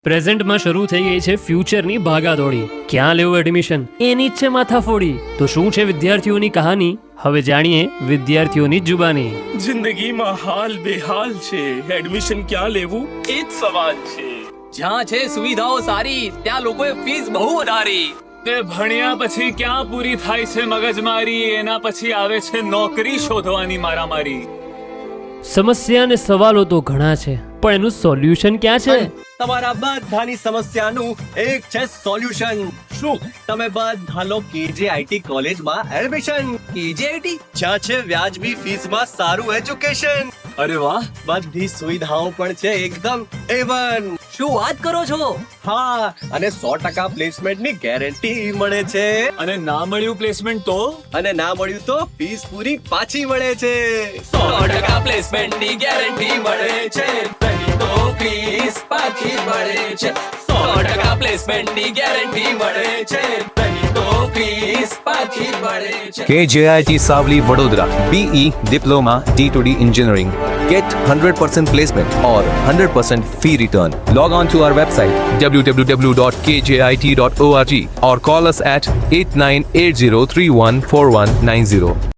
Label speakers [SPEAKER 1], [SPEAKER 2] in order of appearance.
[SPEAKER 1] પ્રેઝન્ટમાં શરૂ થઈ ગઈ છે ફ્યુચરની ભાગાદોડી. ક્યાં લેવું એડમિશન એની જ છે માથાફોડી. તો શું છે વિદ્યાર્થીઓની કહાની, હવે જાણીએ વિદ્યાર્થીઓની જુબાની.
[SPEAKER 2] જિંદગીમાં હાલ બેહાલ છે, એડમિશન ક્યાં લેવું એ જ સવાલ છે.
[SPEAKER 3] જ્યાં છે સુવિધાઓ સારી ત્યાં લોકોએ ફીસ બહુ વધારી.
[SPEAKER 2] તે ભણ્યા પછી ક્યાં પૂરી થાય છે મગજમારી, એના પછી આવે છે નોકરી શોધવાની મારામારી.
[SPEAKER 1] સમસ્યા અને સવાલો તો ઘણા છે, પણ એનું સોલ્યુશન ક્યાં છે?
[SPEAKER 4] તમારા બધાની સમસ્યાનું એક છે સોલ્યુશન. શું તમે બધા લો KJIT કોલેજમાં એડમિશન.
[SPEAKER 3] KJIT
[SPEAKER 4] જ્યાં છે વ્યાજબી ફીસમાં સારું એજ્યુકેશન.
[SPEAKER 2] અરે વાહ,
[SPEAKER 4] બધી સુવિધાઓ પણ છે એકદમ A1.
[SPEAKER 3] શું વાત કરો છો?
[SPEAKER 4] હા, અને 100% પ્લેસમેન્ટની ગેરંટી મળે છે.
[SPEAKER 2] અને ના મળ્યું પ્લેસમેન્ટ તો
[SPEAKER 4] અને ના મળ્યું તો ફીસ પૂરી પાછી મળે છે.
[SPEAKER 3] 100% પ્લેસમેન્ટની ગેરંટી મળે છે, નહીં તો ફીસ પાછી મળે છે. 100% પ્લેસમેન્ટની ગેરંટી મળે છે, નહીં તો ફીસ પાછી મળે છે.
[SPEAKER 5] KJIT Savli Vadodara BE Diploma D2D Engineering. Get 100% placement or 100% fee return. Log on to our website www.kjit.org or call us at 8980314190.